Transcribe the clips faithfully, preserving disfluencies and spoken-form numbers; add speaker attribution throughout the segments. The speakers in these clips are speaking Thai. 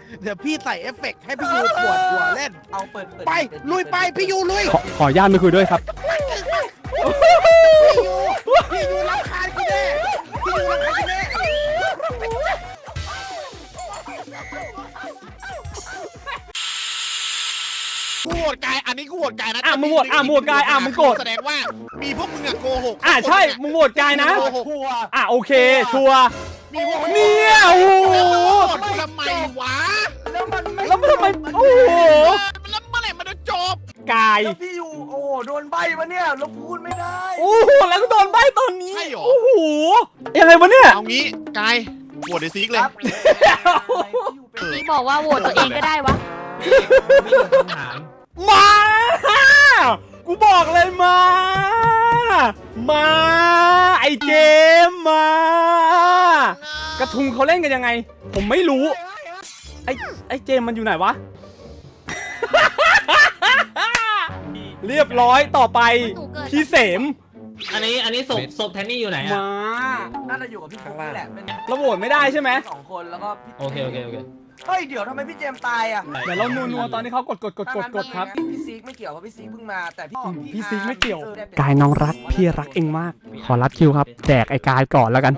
Speaker 1: เดี๋ยวพี่ใส่เอฟเฟกต์ให้พี่ยูปวดหัวเล่น
Speaker 2: เอาเปิด
Speaker 1: ไปลุยไปพี่ยูลุย
Speaker 3: ขอขออนุญาตไม่คุยด้วยครับ
Speaker 1: พี่ยูพี่ยูรำคาญกูแน่พี่ยูรำคาญกูแน่กูโหวตกายอันนี้กูโหวตกายนะ
Speaker 3: อ่ะมึงโหวตอ่ะมึงโหวตกายอ่ะมึงโกรธ
Speaker 1: แสดงว่ามีพวกมึงอะโกหก
Speaker 3: อ่ะใช่มึงโหวตกายนะอ่ะโอเคชัวร์
Speaker 1: มีพวก
Speaker 3: เนี่ยโอ้โห
Speaker 1: ทำไมวะ
Speaker 2: แล้วมันไม่
Speaker 3: แล้วมันทำไมโอ้โห
Speaker 1: แล้วเมื่อไหร่มันจะจบ
Speaker 3: กาย
Speaker 2: แล้วพี่อยู่โอ้โดนใบมาเนี่ยเราพูดไม่ได้
Speaker 3: โอ้โหแล้วก็โดนใบตอนนี้
Speaker 1: ใช่หรอ
Speaker 3: โอ้โหยังไงวะเนี่ย
Speaker 1: เอางี้กายโหวตในซีกเลย
Speaker 4: นี่บอกว่าโหวตตัวเองก็ได้วะ
Speaker 3: มากูบอกเลยมา มาไอเจมมากระทุงเขาเล่นกันยังไงผมไม่รู้ไอไอเจมมันอยู่ไหนวะ เรียบร้อยต่อไปพี่เสม
Speaker 5: อันนี้อันนี้ศพศพแทนนี่อยู่ไหนอะ
Speaker 3: มา
Speaker 2: น่าจะอยู่กับพี่ฟุ๊กนี่แหละเป็น
Speaker 3: เราโหวตไม่ได้ใช่ไหม
Speaker 2: สองคนแล้วก็พี่
Speaker 5: โอเคโอเคโอเค
Speaker 2: เฮ้ยเดี๋ยวทำไมพี่เจมตายอ่ะ
Speaker 3: เดี๋ยวเรานัวๆตอนที่เขากดกดกดกดกดครับ
Speaker 2: พี่ซีกไม่เกี่ยวเพราะพี่ซีกเพิ่งมาแต่พี่
Speaker 3: พี่ซีกไม่เกี่ยวกายน้องรักพี่รักเองมากขอรับคิวครับแจกไอ้กายก่อนแล้วกัน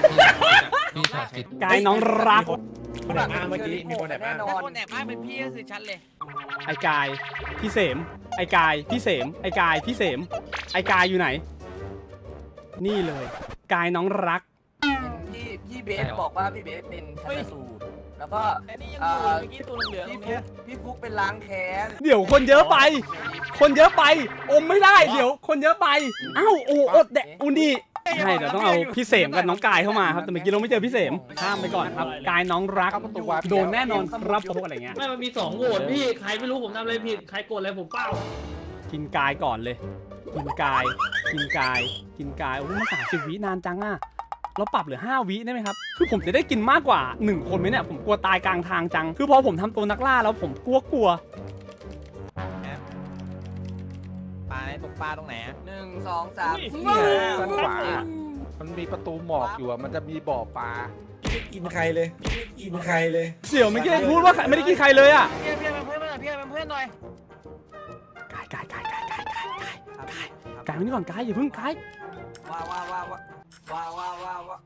Speaker 3: กายน้องรัก
Speaker 2: คนแอบอ้างเมื่อกี้มีคนแอบอ้าง
Speaker 6: คนแอบอ้างเป็นพี่ก็คือฉันเลย
Speaker 3: ไอ้กายพี่เสมไอ้กายพี่เสมไอ้กายพี่เสมไอ้กายอยู่ไหนนี่เลยกายน้องรัก
Speaker 2: พี่พี่เบสบอกว่าพี่เบสเป็นชันสูตรแล้วก็
Speaker 6: นี่ยังอยู่เมื่อกี้ตัวเหลือง
Speaker 2: พี่ฟุ๊กพี่ฟุ๊กเป็นล้างแค้น
Speaker 3: เดี๋ยวคนเยอะไปคนเยอะไปอมไม่ได้เดี๋ยวคนเยอะไปอ้าวโอ้อดแดะอุนี่ใช่เดี๋ยวต้องเอาพี่เสมกับน้องกายเข้ามาครับแต่เมื่อกี้เราไม่เจอพี่เสมข้ามไปก่อนครับกายน้องรักโดนแน่นอนครับพวกอะไรเงี้ย
Speaker 5: ไม่มันมีสองโหวตพี่ใครไม่รู้ผมทำอะไรผิดใครโกรธอะไรผมเปล่า
Speaker 3: กินกายก่อนเลยกินกายกินกายกินกายโอ้โหสามสิบวินานจังอ่ะเราปรับเหลือห้าวิได้ไหมครับคือผมจะได้กินมากกว่าหนึ่งคนไหมเนี่ยผมกลัวตายกลางทางจังคือพอผมทำตัวนักล่าแล้วผมกลัวกลัว
Speaker 6: ปลาไหนตกปลาตรงไหน
Speaker 2: หนึ่งสองสามสี่
Speaker 1: ด้านขวามันมีประตูหมอกอยู่อะมันจะมีบ่อปลา
Speaker 2: ไม่กินใครเลยไม่กินใครเลย
Speaker 3: เสี่ยวไม่ได้พูดว่าไม่ได้กินใครเลยอ่ะ
Speaker 6: พี่พี่เป็นเพื่อนหน่อยพี่เป็นเพื่อนหน่อย
Speaker 3: กายกายกายกายกายกายกายกายกายมานี่ก่อนกายอย่าเพิ่งกาย
Speaker 2: ว้าวว้าวว้าวว้าวว้าวว้าวว้าว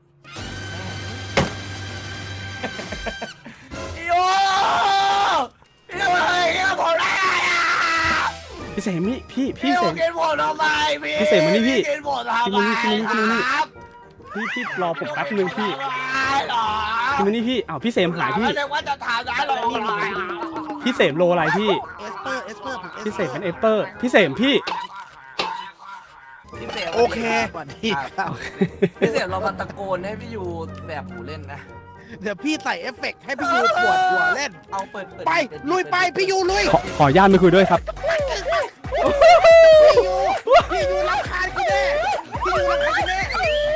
Speaker 2: โย่พี่อะไรเนี่ยผมได้อะ
Speaker 3: พี่เสมนี่พี่พี่เสม
Speaker 2: กินผมทำไมพี่
Speaker 3: พี่เสมมานี่พี่
Speaker 2: กินผมทำไม
Speaker 3: พี่มานี่พี่มานี่พี่พี่รอผมแป๊บนึงพี่พี่มานี่พี่อ้าวพี่เสมหายพี่
Speaker 2: ว่าจะทำได้หรอ
Speaker 3: พี่เสมโลอะไรพี่
Speaker 1: เอสเปอร์เอสเปอร์
Speaker 3: พี่เสมเป็นเอสเปอร์พี่เสมพี่
Speaker 1: โอเคพี่
Speaker 2: พี่เสียเรามาตะโกนให้พี่ยูแบบหูเล่นนะ
Speaker 1: เดี๋ยวพี่ใส่เอฟเฟกต์ให้พี่ยูปวดหัวเล่น
Speaker 2: เอาเปิด
Speaker 1: ไปลุยไปพี่ยูลุย
Speaker 3: ขอขออนุญาตไม่คุยด้วยครับ
Speaker 1: พี่ยูพี่ยูรำคาญกูแน่พี่ยูรำคาญกูแน่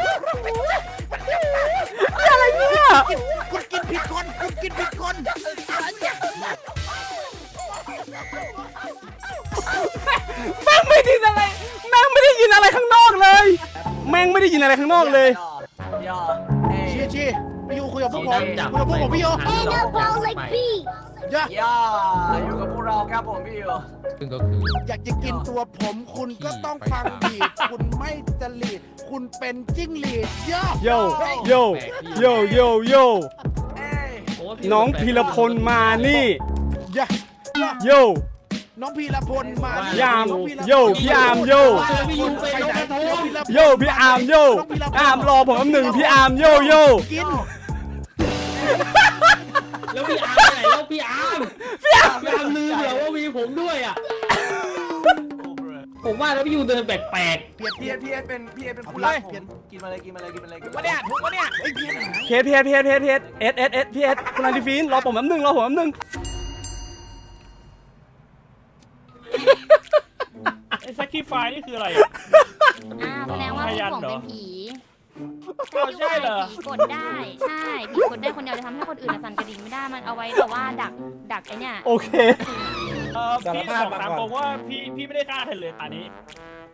Speaker 3: อะไรเนี่ย
Speaker 1: คุณกินผิดคนคุณกินผิดคน
Speaker 3: แม่งไม่ได้ยินอะไรแม่งไม่ได้ยินอะไรข้างนอกเลยแม่งไม่ได้ยินอะไรข้างนอกเลย
Speaker 1: เชียร์เชียร์พี่ยูคุยกับพวกผมคุยกับพวกผมพี่ยู
Speaker 2: ย่าย่าอยู่กับพวกเราครับผมพี่ยู
Speaker 5: ซึ่งก็คือ
Speaker 1: อยากจะกินตัวผมคุณก็ต้องฟังบีทคุณไม่จริตคุณเป็นจิ้งหรีดโย
Speaker 3: โยโยโยโยโยน้องพีรพลมานี่โย
Speaker 1: น้องพีรพลมาย
Speaker 3: ามโยพี่อามโยโยพี่อามโยอามรอผมอันหนึ่งพี่อามโยโย
Speaker 1: กิน
Speaker 5: แล้วพี่อาร์มไหนแล้วพี่อาร์มพี่อาร์มลืมเหรอว่ามีผมด้วยอ่ะผมว่าแล้วพี่ยูเดินแปลกๆ
Speaker 2: เพียรเพียรเพียรเป็นเพียรเป็นผู้รักผมกินมาเลยกินมาเลยกินมาเลยกินมา
Speaker 6: เนี่ยถูกปะเนี่ย
Speaker 3: เพียรเพียรเพียรเพียรเพียรเอสเอสเอสพีเอสคุณอาริฟีนรอผมอันหนึ่งรอผมอันหนึ่ง
Speaker 6: ไอ้ซักกี้ไฟนี่คืออะไรอ่ะ
Speaker 4: อ่าแสดงว่าผมเป็นผี
Speaker 6: ใช่เหรอ
Speaker 4: ผีกดได้ใช่ผีกดได้คนเดียวจะทำให้คนอื่นสั่นกระดิ่งไม่ได้มันเอาไว้แต่ว่าดักดักไอเนี่ย
Speaker 3: โอเค
Speaker 6: เออพี่บอกตามตรงว่าพี่พี่ไม่ได้ฆ่าใครเลยตอนนี้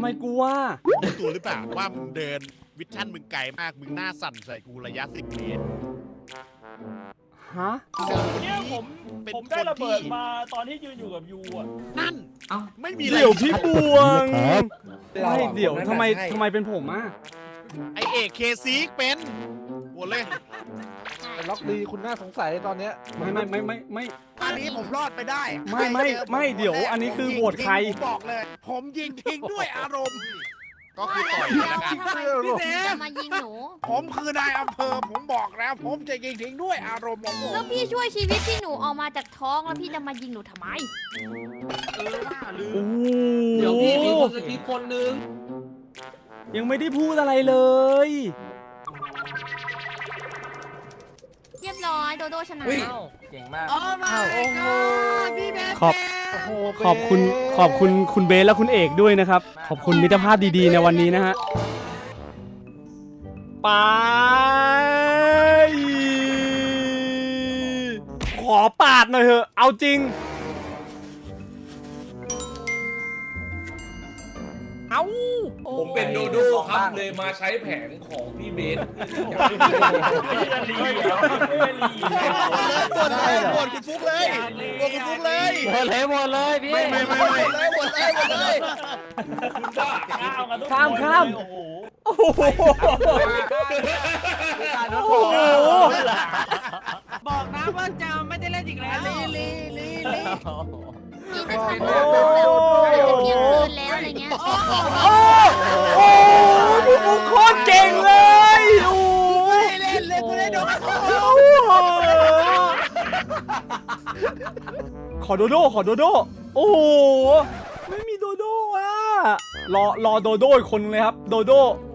Speaker 3: ไมกลัว
Speaker 7: รู้ตัวหรือเปล่าว่ามึงเดินวิชั่นมึงไกลมากมึงหน้าสั่นใส่กูระยะสิบเมตร
Speaker 3: ฮะ
Speaker 6: เนี่ยผม
Speaker 7: เป็น
Speaker 6: ผม
Speaker 7: ค
Speaker 6: ได้
Speaker 7: น
Speaker 6: ระเบิด
Speaker 7: ที่
Speaker 6: มาตอนที่ยืนอยู่กับยูอ่ะ
Speaker 7: นั่น
Speaker 5: เอ้า
Speaker 7: ไม่มีอะไร
Speaker 3: เดี๋ยวพี่บวงไม่เดี๋ยวทำไมทำไมเป็นผมอ่ะ
Speaker 7: ไอเอกเคซีกเป็นหมดเลย
Speaker 1: ล็อกดีคุณน่าสงสัยตอนเนี้ย
Speaker 3: ไม่ไม่ไม่ไม่ไม่
Speaker 1: อันนี้ผมรอดไปได้
Speaker 3: ไม่ไม่ไม่เดี๋ยวอันนี้คือโหวตใคร
Speaker 1: ผมบอกเลย ผมยิงทิ้งด้วยอารมณ์
Speaker 7: ก็คือต่อย
Speaker 4: แล้
Speaker 7: แล้ว
Speaker 4: ว
Speaker 7: กัน
Speaker 4: ทำไม
Speaker 1: พี่เสม
Speaker 4: จะมายิงหนู
Speaker 1: ผมคือนายอำเภอผมบอกแล้ว ผมจะยิงทิ้งด้วยอารมณ์ของผม
Speaker 4: แล้วพี่ช่วยชีวิตที่หนูออกมาจากท้องแล้วพี่จะมายิงหนูทำไม
Speaker 7: เออว่าลืม
Speaker 3: โอ้โห
Speaker 5: เดี๋ยวพี่มีคนสกิปคนนึง
Speaker 3: ยังไม่ได้พูดอะไรเลย
Speaker 4: เรียบร้อยโดโดชนะ
Speaker 2: เก่งมาก
Speaker 1: โอ้ my god พี่เบส
Speaker 3: ขอบขอบคุณขอบคุณคุณเบสและคุณเอกด้วยนะครับ ขอบคุณมิตรภาพดีๆในวันนี้นะฮะไปขอปาดหน่อยเถอะเอาจริง
Speaker 8: ผมเป็นโดโดครับเลยมาใช้แผนของพี่เบส
Speaker 6: ไม่ได้ลีเหรอไม่ได้ลี
Speaker 7: ปวดเลยปวดคุณฟุกเลยปวดคุณฟุกเลย
Speaker 2: หมดเลยหมดเลยพี่
Speaker 7: ไม่ไม่ไม่ไม่เลยปวดเลยปวดเลย
Speaker 6: ข้าวกันทุกคน
Speaker 3: ข้ามข้าม
Speaker 6: โอ้โห
Speaker 3: โอ้โห
Speaker 2: โอ้
Speaker 3: โอ้โห
Speaker 2: บอกนะว่าจะไม่ได้เล่นอีกแล้ว
Speaker 1: ลีลีลีลี
Speaker 4: พี่จะทำแบบแบบเที่ยงคืนแล้วอะไรเงี้ย
Speaker 3: โอ้โหพี่ฟุกโคตรเก่งเลยโอ้โห
Speaker 1: ไม่เล่นเลยกูได้โดน
Speaker 3: ขอโดโดขอโดโดโอ้โหไม่มีโดโดอ่ะรอรอโดโดอีกคนนึงเลยครับโดโด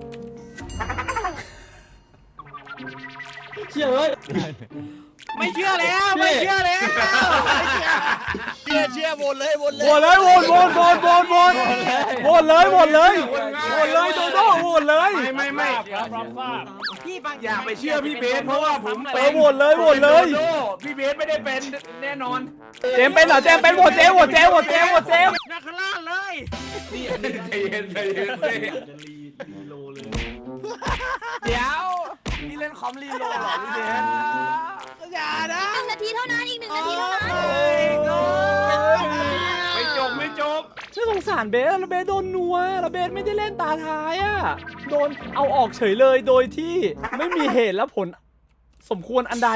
Speaker 5: เชื่อเลย
Speaker 2: ไม่เชื่อแล้วไม่เชื่อแล้ว
Speaker 7: เชื่อเชื่อวนเลยวนเลย
Speaker 3: โหวตเลยโหวตโหวตโหวตโหวตโหวตโหวตเลยโหวตเลยโหวตเลยโดโดโหวตเลย
Speaker 8: ไม่ไม่ไม่
Speaker 6: ครับรับทราบ
Speaker 2: พี่บาง
Speaker 8: อย่าไปเชื่อพี่เบสเพราะว่าผม
Speaker 3: เอ
Speaker 8: เป็
Speaker 3: อน โหวตเลยโหวตเลย
Speaker 8: โดโดพี่เบสไม่ได้เป็นแน่นอน
Speaker 3: เจมส์เป็นเหรอเจมส์เป็นโหวตเจมส์โหวตเจมส์โหวตเจมส์โหวตเจมส์
Speaker 2: นักล่าเลย
Speaker 8: นี่ใจเย็นใจเย็นใจเย็น
Speaker 2: เดี๋ยวพี่เล่นคอมรีโหลดเหรอพี่เบส
Speaker 1: อย่านะ
Speaker 4: หนึ่งนาทีเท่านั้นอีกหนึ่งนาทีเท่านั้น
Speaker 8: ไม่จบไม่จบ
Speaker 3: น่าสงสารเบสแล้วเบสโดนนัวแล้วเบสไม่ได้เล่นตาท้ายอ่ะโดนเอาออกเฉยเลยโดยที่ไม่มีเหตุและผลสมควรอันใด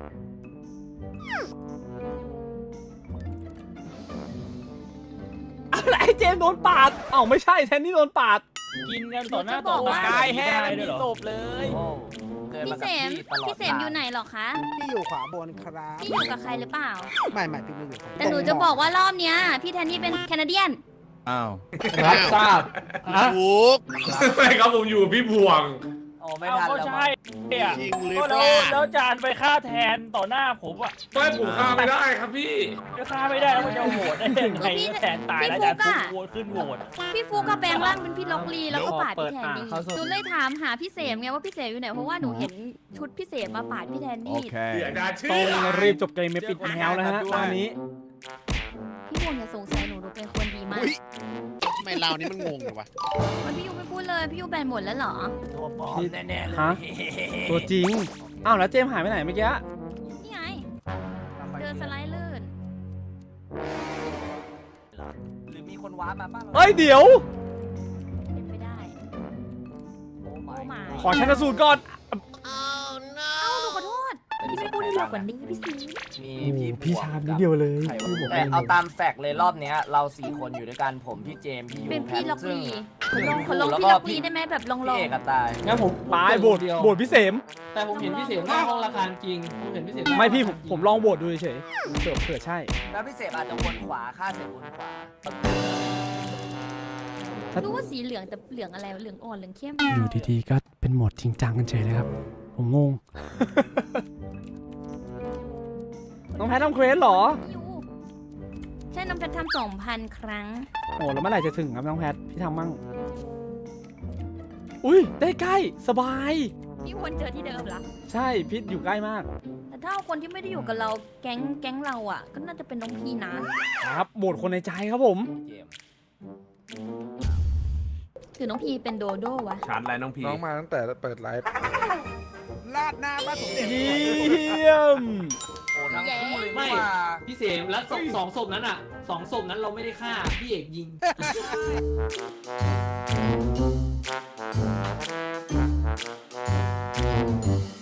Speaker 3: อะไรเจมส์โดนปาดเอ้าไม่ใช่แทนนี่โดนปาด
Speaker 6: กินกันต่อหน้าต่อตาก
Speaker 2: ายแห้ง
Speaker 6: ได้
Speaker 2: มี
Speaker 6: ด้วยเหรอ
Speaker 2: ศพเลย
Speaker 4: พี่เสมพี่เสมอยู่ไหนหรอคะ
Speaker 1: พี่อยู่ขวาบนครับ
Speaker 4: พี่อยู่กับใครหรือเปล่า
Speaker 1: ไม่ไม่พี่ไม่อยู่
Speaker 4: แต่หนูจะบอกว่ารอบเนี้ยพี่แทนนี่เป็นแคนาเดียน
Speaker 9: อ้าว
Speaker 5: รับทราบ
Speaker 7: ฟุก
Speaker 8: ไม่ครับผมอยู่พี่บวง
Speaker 2: โอ้ไม่
Speaker 6: เอา
Speaker 2: ทัน
Speaker 6: ก็
Speaker 2: แล้ว
Speaker 6: ใช่เนี่ย
Speaker 7: จริงหรือ
Speaker 6: ก็
Speaker 7: เป
Speaker 6: แล้ว
Speaker 7: ล่า
Speaker 6: แล้วจานไปฆ่าแทนต่อหน้าผมอ่ะ
Speaker 8: ไม่ผมฆ่าไม่ได้ครับพี่
Speaker 6: ก็ฆ่าไม่ได้แล้วมันจะโหวตได้ยังไงก็แทนตายแล้วจานฟุกโหวตขึ้นโหวต
Speaker 4: พี่ฟูก็แปลงร่างเป็นพี่ล็อกลีแล้วก็ปาดพี่แทนนี่
Speaker 3: เปิดอ่ะเขาสด
Speaker 4: หนูเลยถามหาพี่เสมไงว่าพี่เสมอยู่ไหนเพราะว่าหนูเห็นชุดพี่เสมมาปาดพี่แทนนี่
Speaker 8: เสียดายชื่
Speaker 3: ต้
Speaker 8: อ
Speaker 3: องรีบจบเกมไม่ปิดแนวแล้วฮะตอนนี้
Speaker 4: พี่วงอย่าสงสัยหนูหนูเป็นคนดีมาก
Speaker 7: อุ้ยทำไมเรานี่มันงงเลยวะ
Speaker 4: มันพี่ยูไม่พูดเลยพี่ยูแบนหมดแล้วเหรอ
Speaker 2: ตัวปลอมแน่ๆเลย
Speaker 3: ฮะ ตัวจริงอ้าวแล้วเจมส์หายไปไหนเมื่อกี้
Speaker 4: นี่ไงเดินสไลด์ลื่น
Speaker 2: หรือมีคนว้ามาบ้าง
Speaker 3: เอ้ยเดี๋ยว
Speaker 4: เป็นไปได้
Speaker 2: โอ้
Speaker 4: โอ้
Speaker 2: my
Speaker 3: ขอชันสูตรก่อน
Speaker 4: เอ้าหนูขอโทษพี่ไม่พูดให้เรากว่านี้พี่ซี
Speaker 2: มี
Speaker 3: พี่ชามนิดเดียวเลย
Speaker 2: แต่เอาตามแฟกต์เลยรอบเนี้ยเราสี่คนอยู่ด้วยกันผมพี่เจมส์พี่ยู
Speaker 4: เป็นพี่ล็อก
Speaker 2: ซึ่ง
Speaker 4: ลีขอลองขอลอง
Speaker 2: แล้ว
Speaker 4: พี่
Speaker 2: ก็
Speaker 4: ล็อกลีได้ไหมแบบลองล
Speaker 2: พี่
Speaker 4: อง
Speaker 2: เอกกับตาย
Speaker 5: งั้นผม
Speaker 3: ปลายโบดโบดพี่เสม
Speaker 5: แต่ผมเห็นพี่เสียงหน้าห้องละครจริงผมเห็นพี่เสียง
Speaker 3: ไม่พี่ผมผมลองโบดดูเฉยๆเผื่อเผื่อใช่
Speaker 2: แล้วพี่เสกอาจจะวนขวาฆ่าเสร็จวนขวา
Speaker 4: รู้ว่าสีเหลืองแต่เหลืองอะไรเหลืองอ่อนเหลืองเข้ม
Speaker 3: อยู่ดีๆก็เป็นโหมดจริงจังกันเฉยเลยครับ ผมงง น้องแพททำเควสเหรอ
Speaker 4: พี่ยูใช่น้ำเพชรทำสองพันครั้ง
Speaker 3: โอ้แล้วเมื่อไหร่จะถึงครับน้องแพทพี่ทำมั่งอุ้ยได้ใกล้สบาย
Speaker 4: พี่วนเจอที่เดิมเหรอ
Speaker 3: ใช่พี่อยู่ใกล้มาก
Speaker 4: แต่ถ้าเอาคนที่ไม่ได้อยู่กับเราแก๊งแก๊งเราอ่ะ ก็น่าจะเป็นน้องพีนะครับ
Speaker 3: โหวตคนในใจครับผม
Speaker 2: เจมส์
Speaker 4: หรือน้องพีเป็นโดโด้วะ
Speaker 8: ชาร์จอะไรน้องพี
Speaker 9: น้องมาตั้งแต่เปิดไลฟ์
Speaker 1: ลาดหน้าบ้านผมเด็ก
Speaker 3: เยี่ยม
Speaker 2: โอ้ทั้งคู่เลย
Speaker 5: ไม่
Speaker 2: นี่ว่า
Speaker 5: พี่เสมแล้วสองสองศพนั้นอ่ะสองศพนั้นเราไม่ได้ฆ่าพี่เอกยิง